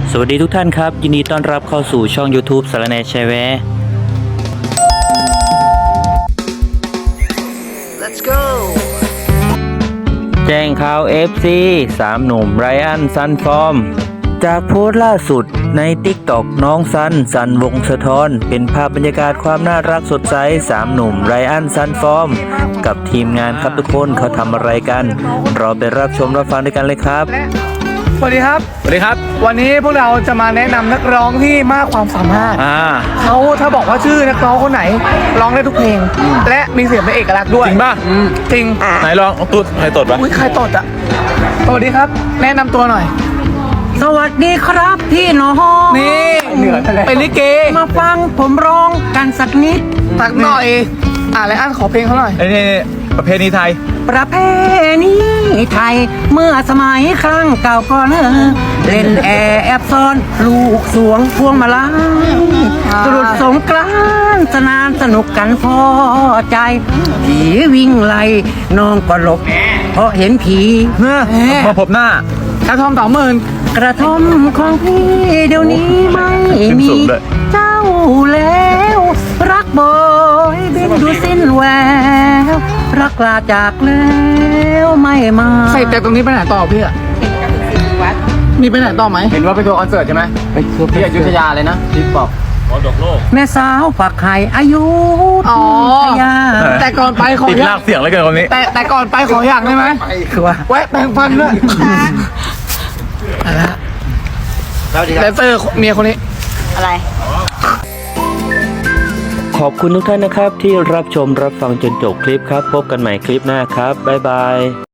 สวัสดีทุกท่านครับยินดีต้อนรับเข้าสู่ช่อง YouTube สารแหน่แชร์แวร์ Let's go แจ้งข่าว FC 3 หนุ่มไรอันซันฟอร์มจากโพสต์ล่าสุดใน TikTok น้องซันวงสะท้อนเป็นภาพบรรยากาศความน่ารักสดใส3 หนุ่มไรอันซันฟอร์มกับทีมงานครับทุกคนเขาทำอะไรกันเราไปรับชมรับฟังด้วยกันเลยครับสวัสดีครับสวัสดีครับวันนี้พวกเราจะมาแนะนำนักร้องที่มากความสามารถ เขาถ้าบอกว่าชื่อนักร้องคนไหนร้องได้ทุกเพลง และมีเสียงเป็นเอกลักษณ์ด้วยจริงป่ะจริงไหนลองตุ๊ดใครตดปะอุ้ยใครตดอ่ะสวัสดีครับ แนะนำตัวหน่อยสวัสดีครับพี่น้องนี่เหนือทะเลเป็นลิเกมาฟังผมร้องกันสักนิดตักหน่อยอะไรอันขอเพลงเขาหน่อยไอ้นี่ประเพณีไทยประเพณีไทยเมื่อสมัยครั้งเก่าก่อนเล่นแอบซ่อนลูกสวงพวงมาลัยตรุษสงกรานต์สนานสนุกกันพอใจผีวิ่งไล่น้องก็หลบเพราะเห็นผีมาพบหน้ากระทอม20,000 กระท่อมของพี่เดี๋ยวนี้ไม่มีขึ้นสูงด้วยเจ้าแล้ว รักบอยบินดูสิ้นแววรักลาจากแล้วไม่มาใส่แต่ตรงนี้ไปไหนต่อพี่อะมีไปไหนต่อไหมเห็นว่าไปทัวร์คอนเสิร์ตใช่ไหมที่อยุธยาเลยนะที่บอกแม่สาวฝักไข่อายุอ๋อทยาแต่ก่อนไปขอติดอลาย่าก งเสียงเลยเกินคนนี้แต่ก่อนไปขออย่างได้ไหมคือว่าแวะแปรงฟันด้วยแดนเซอร์เมียคนนี้ขอบคุณทุกท่านนะครับที่รับชมรับฟังจนจบคลิปครับพบกันใหม่คลิปหน้าครับบ๊ายบาย